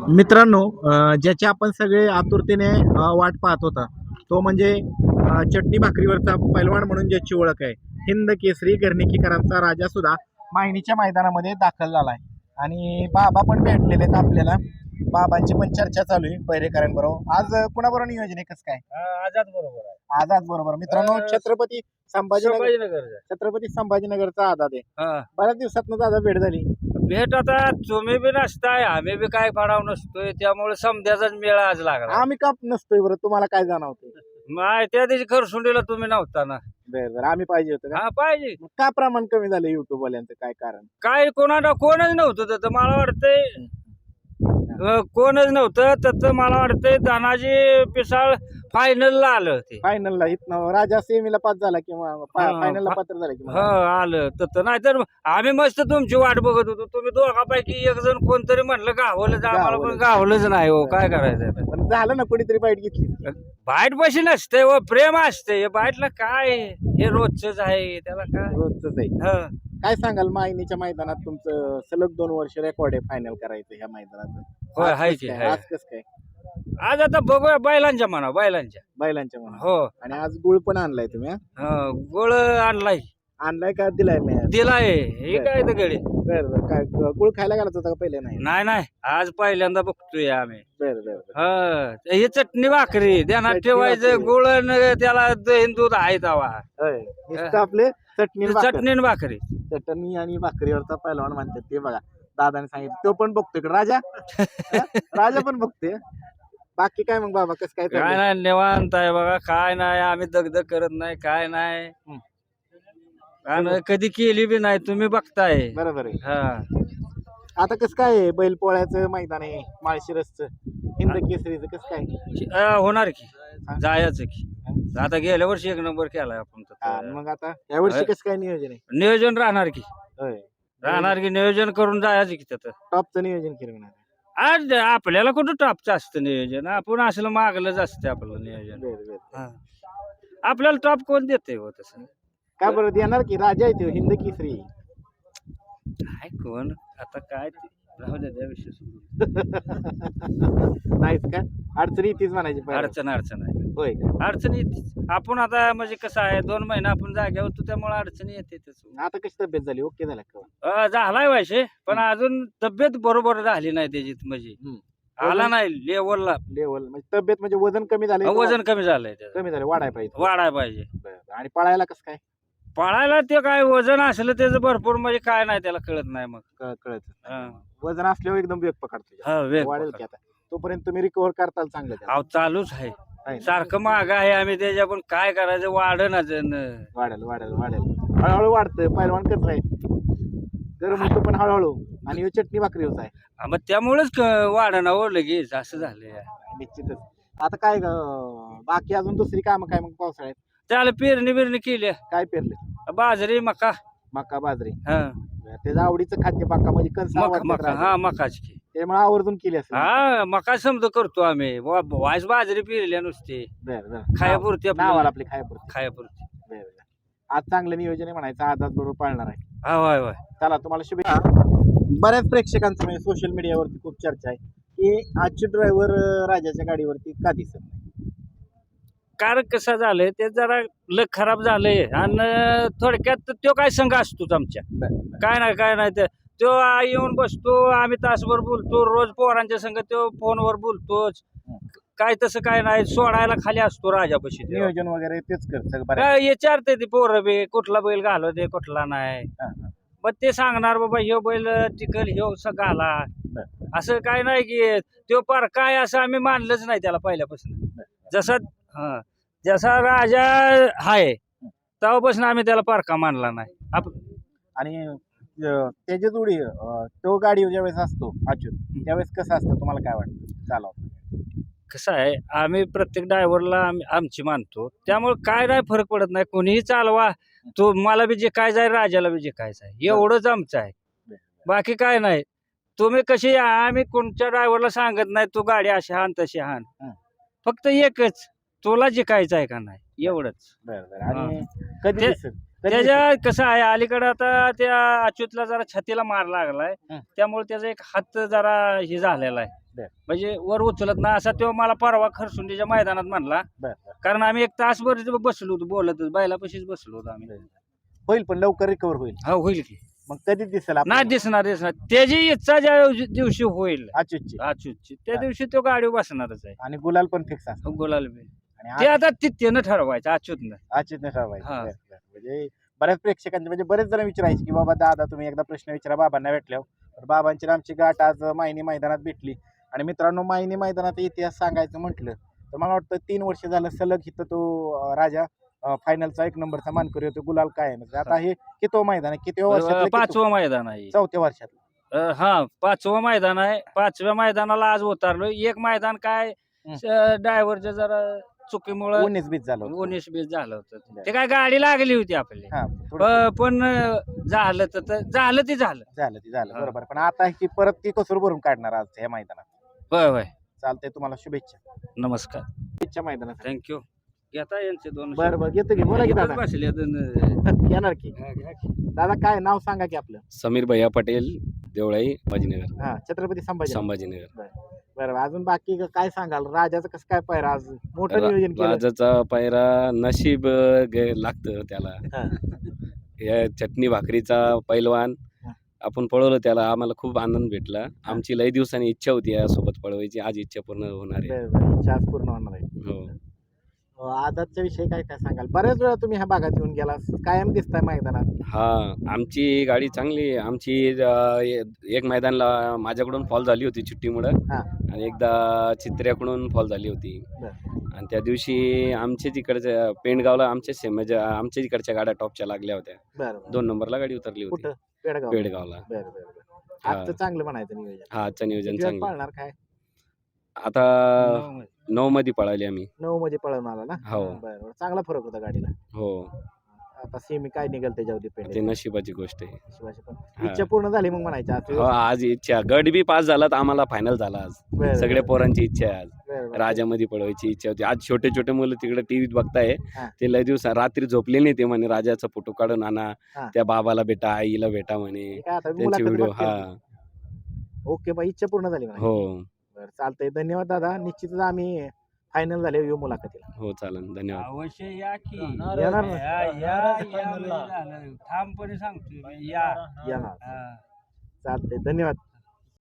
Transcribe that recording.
मित्रांनो, ज्याची आपण सगळे आतुरतेने वाट पाहत होता तो म्हणजे चटणी भाकरीवरचा पैलवान म्हणून ज्याची ओळख आहे, हिंद केसरी गर्णिकीकरांचा राजा सुद्धा मायनीच्या मैदानामध्ये दाखल झाला आहे. आणि बाबा पण भेटलेले आहेत आपल्याला. बाबांची पण चर्चा चालू आहे पैरेकरांबरोबर. आज कुणाबरोबर नियोजन आहे, कसं काय? आझाद बरोबर आहे. आझाद बरोबर. मित्रांनो, छत्रपती संभाजीनगर संभाजीनगर छत्रपती संभाजीनगरचा आझाद आहे. हा बऱ्याच दिवसातनं दादा भेट झाली. भेट आता तुम्ही बी नसताय आम्ही बी काय पडाव नसतोय त्यामुळे समध्याचाच मेळा आज लागला. आम्ही का नसतोय बरं, तुम्हाला काय जाणवते? माय त्या दिवशी खरसुंडीला तुम्ही नव्हता ना. बरं बरं, आम्ही पाहिजे होतं का? हा पाहिजे. मग का प्रमाण कमी झालं युट्यूब वाल्यांचं, काय कारण? काय कोणच नव्हतं तर मला वाटतंय कोणच नव्हतं तर मला वाटतंय धनाजी पिसाळ फायनलला आलं ते. फायनलला इथनं राजा सेमीला पास झाला किंवा हा, फायनलला पात्र झाला हो किंवा आलं तर नाहीतर आम्ही मस्त तुमची वाट बघत होतो. तुम्ही दोघापैकी एक जण कोणतरी म्हणलं गावलंच, आम्हाला पण गावलंच नाही हो. काय करायचं आता? पण झालं ना, कुठेतरी बाईट घेतली. बाईट पैसे नसते व प्रेम असते. बाईटला काय हे रोजच आहे त्याला काय. रोजच आहे. हं. काय सांगाल, मायनीच्या मैदानात तुमचं सलग 2 वर्ष रेकॉर्ड आहे फायनल करायचं ह्या मैदानात? होय, आज हाय कसं की, काय? हाय. आज कसं काय? आज आता बघूया बैलांच्या म्हणा बैलांच्या. बैलांच्या म्हणा. हो आणि आज गुळ पण आणलाय तुम्ही? गोळ आणलाय आणलाय का दिलाय मी? दिलाय. हे काय तर गडी. बरं बरं. काय गुळ खायला घालत होता का पहिले? नाही. नाही आज पहिल्यांदा बघतोय आम्ही. बरं बरं बरं. हे चटणी भाकरी ध्यानात चटणी ठेवायचं. भाकरी. गुळ न त्याला दही दूध आहे तवा. होय. नुसतं आपले चटणी आणि भाकर. चटणी न भाकरी. चटणी आणि भाकरीवरचा पहिलवान म्हणतात ते बघा. दादाने सांगितलं, तो पण बघतोय का राजा? राजा पण बघतोय. बाकी काय मग बाबा, कसं काय काय चाललंय? नाही निवांत आहे बघा. काय नाही आम्ही दगदग करत नाही काय नाही. आणि कधी केली बी नाही तुम्ही बघताय. बरोबर आहे. हा आता कसं काय आहे? बैलपोळ्याचं मैदान आहे, माळशिरसचं हिंद केसरीचं, कसं काय? होणार की जायचं की. आता गेल्या वर्षी 1 नंबर केलाय आपण हा, तर. मग आता यावर्षी कसं काय नियोजन आहे? नियोजन राहणार की. होय. राहणार की नियोजन करून जायचं की त्यात. टॉपचं नियोजन केलं म्हणा. आज आपल्याला कुठं टॉपचं असतं नियोजन. आपण असलं मागलंच असतं आपलं नियोजन. बरं बरं. हा. आपल्याला टॉप कोण देते हो तसं? का बरं देणार की? राजा आहे तो, हिंद केसरी. काय कोण आता काय ते राहू द्या त्या विषयी सोडून. नाहीच का? अडचणी येतीच म्हणायची पहिला. अडचण आहे. होय का? अडचण येते. आपण आता म्हणजे कसं आहे 2 महिने आपण जाग्यावर होतो त्यामुळे अडचणी येते आता कशी तब्येत झाली? ओके झाला का? झालाय व्हायचे पण अजून तब्येत बरोबर झाली नाही त्याची म्हणजे. आला नाही लेवलला. लेवल म्हणजे तब्येत म्हणजे वजन कमी झालं? वजन कमी झालंय त्याचं. कमी झालं, वाढायला पाहिजे. वाढाय पाहिजे. बरं. आणि पळायला कसं काय? पळायला ते काय वजन असलं त्याचं भरपूर म्हणजे काय नाही त्याला कळत नाही मग. कळत. हा. वजन असल्यावर एकदम वेग पकडतो. हा, वेग वाढेल पकड. की आता. तोपर्यंत तुम्ही रिकव्हर करताल चांगलं त्याला. अहो चालूच आहे. आहे ना? सारखं माग आहे आम्ही त्याच्या पण काय करायचं वाढणच. वाढेल वाढेल वाढेल. हळूहळू वाढतं. पहिलवान कसं आहे, गरम होतो पण हळूहळू. आणि ह्यो चटणी भाकरी होत आहे. मग त्यामुळेच वाढणं हो लगेच असं झालंय. निश्चितच. आता काय बाकी अजून दुसरी कामं काय मग पावसाळ्यात? त्याला पेरणी केली. काय पेरले? बाजरी मका. मका बाजरी. हा त्याचं आवडीचं खाद्य मका म्हणजे कणस आवडतात मका राजा. हा मकाच की. त्यामुळे आवर्जून केली असेल. हा मका समजा करतो आम्ही. वाईस बाजरी पेरल्या नुसते बरं बरं. खायापुरती नावाला आपली खायापुरती. खायापुरती. बरं बरं. आज चांगलं नियोजन आहे म्हणायचं. आज बरोबर पाळणार आहे. हा होय. चला, तुम्हाला शुभेच्छा. बऱ्याच प्रेक्षकांचं म्हणजे सोशल मीडियावरती खूप चर्चा आहे की आजचे ड्रायव्हर राजाच्या गाडीवरती का दिसत नाही? कारण कसं झालंय ते जरा लग खराब झालंय आणि थोडक्यात तो काय संघ असतोच आमच्या. काय नाही ते तो येऊन बसतो. आम्ही तासभर बोलतो रोज पोरांच्या संग. तो फोनवर बोलतोच. काय तसं काय नाही. सोडायला खाली असतो राजापाशी. नियोजन वगैरे तेच करत बरं. काय विचारते ती पोरं बी कुठला बैल घालव दे कुठला नाही. मग ते सांगणार बाबा ह्यो बैल टिकल ह्यो घाला. असं काय नाही की तो पार काय असं आम्ही मानलंच नाही त्याला पहिल्यापासून. जसा राजा आहे तेव्हापासून आम्ही त्याला पारखा मानला नाही. आणि त्याची जोडी तो गाडी ज्यावेळेस असतो अच्युत, त्यावेळेस कसं असतं तुम्हाला काय वाटतं चालवताना? कसं आहे आम्ही प्रत्येक ड्रायव्हरला आमची मानतो त्यामुळे काय नाही फरक पडत नाही. कोणीही चालवा. तो मला बी जे काय जाय राजाला बी जे काय जाय एवढंच आमचं आहे. बाकी काय नाही. तुम्ही कशी आम्ही कोणत्या ड्रायव्हरला सांगत नाही तू गाडी अशी हाण तशी हाण. फक्त एकच तुला जिकायचं आहे का नाही एवढंच. आणि कधी दिसेल? त्याच्या कसं आहे अलीकडे आता त्या अच्युतला जरा छातीला मार लागलाय त्यामुळे त्याचा एक हात जरा हे झालेला आहे. बर. म्हणजे वर उचलत नाही असा तो मला परवा खरसुंडीच्या मैदानात म्हणला. बर. कारण आम्ही एक तासभर बसलो होतो बोलतच बैलापाशीच बसलो होतो आम्ही. होईल पण लवकर रिकवर होईल. हा होईल की मग कधी दिसेल नाही दिसणार त्याची इच्छा ज्या दिवशी होईल अच्युतची अच्युतची त्या दिवशी तो गाडीवर बसणारच आहे. आणि गुलाल पण फिक्स असतो गुलाल बी. आणि ते आता त्यानं ठरवायचं अच्युतनं. अच्युतने ठरवायचं. हा. बर, बर. म्हणजे बऱ्याच प्रेक्षकांचे म्हणजे बरेच जण विचारायचे की बाबा दादा तुम्ही एकदा प्रश्न विचारा बाबांना भेटल्यावर. तर बाबांची आणि आमची गाठ आज मायनी मैदानात भेटली. आणि मित्रांनो मायनी मैदानाचा इतिहास सांगायचं म्हटलं तर मला वाटतं 3 वर्ष झालं सलग इथं तो राजा फायनलचा 1 नंबरचा मानकरी होतो गुलाल काय म्हणजे आता हे किती मैदान आहे किती वर्षात 5वं मैदान आहे. 4थ्या वर्षात. हा 5वं मैदान आहे. 5व्या मैदानाला आज उतरलोय. एक मैदान काय ड्रायव्हरच्या जरा चुकीमुळे 19-20 झालं होतं. 19-20 झालं होतं. ते काय गाडी लागली होती आपली. हा, थोडं पण झालं तर झालं ते झालं. झालं हा. बरोबर. पण आता ही परत ती कसूर भरून काढणार आज या मैदानात. होय होय. चालतंय तुम्हाला शुभेच्छा. नमस्कार. शुभेच्छा मैदानात. थँक्यू. घेता यांचे 2 बरं बरं घेतो की बोला की दादा. बसले येणार की दादा काय नाव सांगा की आपलं. समीर भैया पटेल देवळाई संभाजीनगर. हा छत्रपती संभाजी. संभाजीनगर. बरं अजून बाकी काय सांगाल राजाचं कसं काय पायरा आज मोठं नियोजन केलं. राजाचा पायरा नशीब लागतं त्याला. हा. या चटणी भाकरीचा पैलवान हा. आपण पळवलं त्याला आम्हाला खूप आनंद भेटला. आमची लई दिवसांनी इच्छा होती यासोबत पळवायची आज इच्छा पूर्ण होणार आहे. बरं इच्छा आज पूर्ण होणार आहे. हो. आजच्या विषयी काय काय सांगाल. बऱ्याच वेळा तुम्ही ह्या भागात येऊन गेला कायम दिसताय मैदानात. हा आमची गाडी चांगली आहे. आमची एक मैदानला माझ्याकडून फॉल झाली होती चिठ्ठीमुळं हा. आणि एकदा चित्र्याकडून फॉल झाली होती. बरं. आणि त्या दिवशी आमच्या तिकडच्या पेंडगावला म्हणजे आमच्या तिकडच्या गाड्या टॉपच्या लागल्या होत्या. बरं 2 नंबरला गाडी उतरली होती कुठं पेडगाव. पेडगावला. बरं बरं बरं. आजचं चांगलं म्हणायचं नियोजन. हा आजचं नियोजन किती वेळात चांगलं. पाळणार काय आता 9 मध्ये पळाली आम्ही. 9 मध्ये पळून आला ना. हो. बरं चांगला फरक होता गाडीला. हो आता सेमी काय निघेल त्याच्यावर ते डिपेंड. नशिबाची गोष्ट आहे. पण इच्छा पूर्ण झाली मग म्हणायची आज. हो आज इच्छा गट बी पास झाला तर आम्हाला फायनल झाला आज. बरं, सगळ्या बरं. पोरांची इच्छा आहे आज. बरं, बरं. राजामध्ये पळवायची इच्छा होती. आज छोटे छोटे मुलं तिकडे टीव्हीत बघताय. हा. ते लय दिवस रात्री झोपले नाही ते म्हणे राजाचा फोटो काढून आणा. हा. त्या बाबाला भेटा आईला भेटा म्हणे. काय आता त्यांची मुलाखत व्हिडिओ बघतील. हा ओके बाई इच्छा पूर्ण झाली म्हणा. हो बरं चालतंय धन्यवाद दादा. निश्चितच आम्ही फायनल झाले येऊ मुलाखतीला. हो चालेल धन्यवाद. अवश्य या की येणार ना. ठामपणे सांगतो या. येणार हा. चालतंय धन्यवाद.